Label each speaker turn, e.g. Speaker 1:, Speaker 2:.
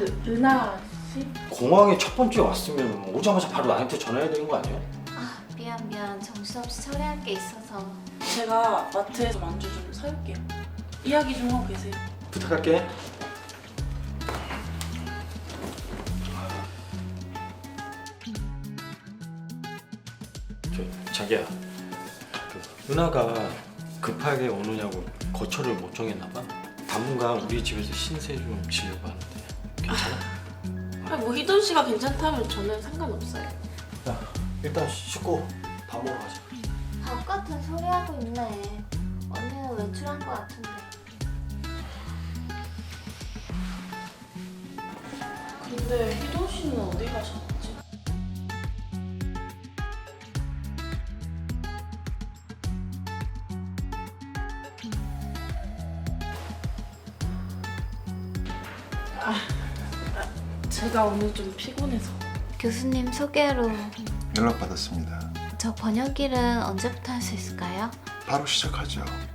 Speaker 1: 은하 씨?
Speaker 2: 공항에 첫 번째 왔으면 오자마자 바로 나한테 전화해야 되는 거 아니야?
Speaker 3: 아, 미안. 정신없이 처리할 게 있어서.
Speaker 1: 제가 마트에서 만두 좀 사올게요. 이야기 좀 하고 계세요.
Speaker 2: 부탁할게. 자기야, 은하가 급하게 오느냐고 거처를 못 정했나 봐. 당분간 우리 집에서 신세 좀 지려고 하는데 괜찮아?
Speaker 1: 아니, 뭐 희돈 씨가 괜찮다면 저는 상관없어요.
Speaker 2: 야, 일단 씻고 밥 먹으러 가자.
Speaker 3: 밥 같은 소리 하고 있네. 언니는 외출한 것 같은데.
Speaker 1: 근데 희돈 씨는 어디 가셨지? 제가 오늘 좀 피곤해서.
Speaker 3: 교수님 소개로
Speaker 4: 연락받았습니다.
Speaker 3: 저 번역일은 언제부터 할 수 있을까요?
Speaker 4: 바로 시작하죠.